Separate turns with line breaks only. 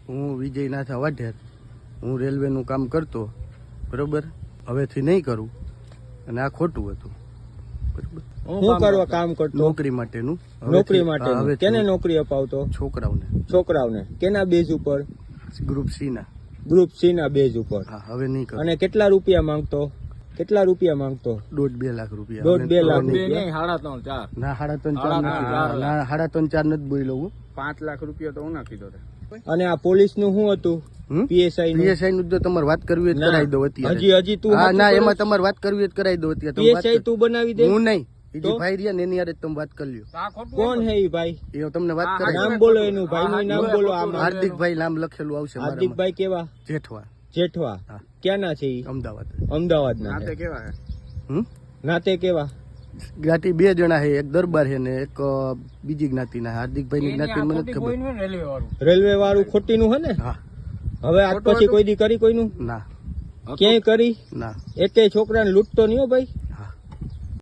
હું વિજયનાથ વાઢેર, હું રેલવેનું કામ કરતો, બરોબર. હવેથી નહીં કરું અને આ ખોટું હતું, બરોબર.
હું કરવા કામ કરતો?
નોકરી માટેનું.
નોકરી માટે કેને નોકરી અપાવતો? છોકરાઓને. કેના બેઝ ઉપર?
ગ્રુપ સી ના.
ગ્રુપ સી ના બેઝ ઉપર.
હા, હવે નહીં કરું.
અને કેટલા રૂપિયા માંગતો?
1.5-2 લાખ રૂપિયા.
1.5-2 લાખ
રૂપિયા? 3.5-4.
ના, 3.5 ના, 3.5 નથી બોલ્યો હું.
5 લાખ રૂપિયા તો હું નાખી દો.
અને આ પોલીસ નું શું હતું? પીએસઆઈ
નું જો તમારે વાત કરવી હોય તો કરાવી દો અત્યારે.
હજી તું?
હા, ના, એમાં તમારે વાત કરવી હોય તો કરાવી દો અત્યારે.
પીએસઆઈ તું બનાવી દે.
હું નહીં, બીજી ભાઈ રહ્યા ને એની યાર તમે વાત કરી લ્યો.
કોણ હે ઈ ભાઈ?
એ તમને વાત કરાવી.
નામ બોલો એનું, ભાઈ નું નામ બોલો.
હાર્દિકભાઈ નામ લખેલું આવશે.
હાર્દિકભાઈ કેવા? જેઠવા. ક્યાંના છે ઈ? અમદાવાદ ના.
નાતે કેવા હે?
નાતે કેવા?
જ્ઞાતિ 2 જણા છે, એક દરબાર છે ને એક બીજી જ્ઞાતિના. હાર્દિકભાઈ ની જ્ઞાતિ મને નથી ખબર.
રેલવે વાળું ખોટી નું હે ને?
હા.
હવે આજ પછી કોઈ દી કરી કોઈનું?
ના.
ક્યાંય કરી?
ના.
એકે છોકરાને લૂંટતો નહીં હો ભાઈ.